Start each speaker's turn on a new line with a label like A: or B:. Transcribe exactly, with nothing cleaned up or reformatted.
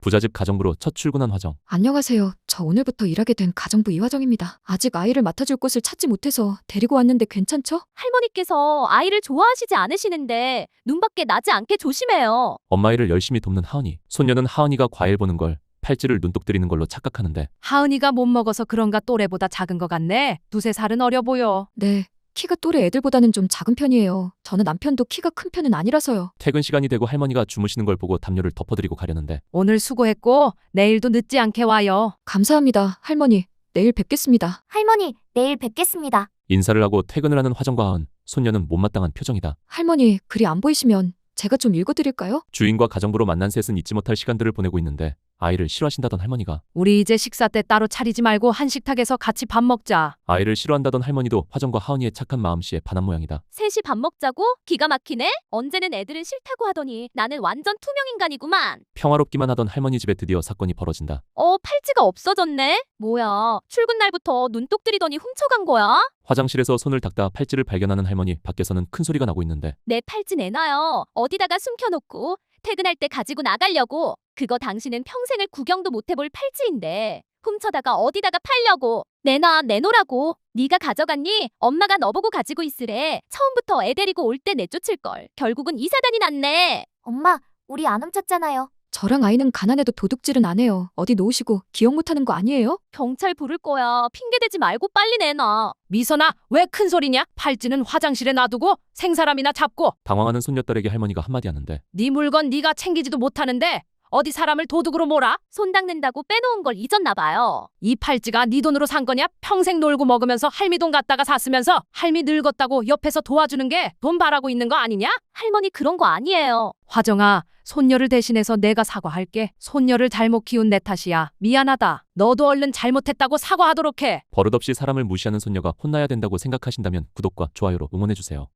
A: 부잣집 가정부로 첫 출근한 화정.
B: 안녕하세요. 저 오늘부터 일하게 된 가정부 이화정입니다. 아직 아이를 맡아줄 곳을 찾지 못해서 데리고 왔는데 괜찮죠?
C: 할머니께서 아이를 좋아하시지 않으시는데 눈밖에 나지 않게 조심해요.
A: 엄마 일을 열심히 돕는 하은이. 손녀는 하은이가 과일 보는 걸 팔찌를 눈독 들이는 걸로 착각하는데
D: 하은이가 못 먹어서 그런가 또래보다 작은 것 같네. 두세 살은 어려 보여.
B: 네. 키가 또래 애들보다는 좀 작은 편이에요. 저는 남편도 키가 큰 편은 아니라서요.
A: 퇴근 시간이 되고 할머니가 주무시는 걸 보고 담요를 덮어드리고 가려는데
D: 오늘 수고했고 내일도 늦지 않게 와요.
B: 감사합니다. 할머니. 내일 뵙겠습니다.
C: 할머니, 내일 뵙겠습니다.
A: 인사를 하고 퇴근을 하는 화정과 하은. 손녀는 못마땅한 표정이다.
B: 할머니, 글이 안 보이시면 제가 좀 읽어드릴까요?
A: 주인과 가정부로 만난 셋은 잊지 못할 시간들을 보내고 있는데 아이를 싫어하신다던 할머니가
D: 우리 이제 식사 때 따로 차리지 말고 한식탁에서 같이 밥 먹자.
A: 아이를 싫어한다던 할머니도 화정과 하은이의 착한 마음씨에 반한 모양이다.
C: 셋이 밥 먹자고? 기가 막히네? 언제는 애들은 싫다고 하더니 나는 완전 투명 인간이구만.
A: 평화롭기만 하던 할머니 집에 드디어 사건이 벌어진다.
C: 어, 팔찌가 없어졌네? 뭐야, 출근 날부터 눈독 들이더니 훔쳐간 거야?
A: 화장실에서 손을 닦다 팔찌를 발견하는 할머니. 밖에서는 큰 소리가 나고 있는데
C: 내 팔찌 내놔요. 어디다가 숨겨놓고 퇴근할 때 가지고 나가려고. 그거 당신은 평생을 구경도 못 해볼 팔찌인데 훔쳐다가 어디다가 팔려고. 내놔, 내놓으라고. 네가 가져갔니? 엄마가 너보고 가지고 있으래. 처음부터 애 데리고 올 때 내쫓을걸. 결국은 이 사단이 났네.
E: 엄마, 우리 안 훔쳤잖아요.
B: 저랑 아이는 가난해도 도둑질은 안 해요. 어디 놓으시고 기억 못하는 거 아니에요?
C: 경찰 부를 거야. 핑계대지 말고 빨리 내놔.
D: 미선아, 왜 큰 소리냐? 팔찌는 화장실에 놔두고 생사람이나 잡고.
A: 당황하는 손녀딸에게 할머니가 한마디 하는데
D: 네 물건 네가 챙기지도 못하는데 어디 사람을 도둑으로 몰아?
C: 손 닦는다고 빼놓은 걸 잊었나 봐요.
D: 이 팔찌가 네 돈으로 산 거냐? 평생 놀고 먹으면서 할미 돈 갖다가 샀으면서 할미 늙었다고 옆에서 도와주는 게 돈 바라고 있는 거 아니냐?
C: 할머니 그런 거 아니에요.
D: 화정아, 손녀를 대신해서 내가 사과할게. 손녀를 잘못 키운 내 탓이야. 미안하다. 너도 얼른 잘못했다고 사과하도록 해.
A: 버릇없이 사람을 무시하는 손녀가 혼나야 된다고 생각하신다면 구독과 좋아요로 응원해주세요.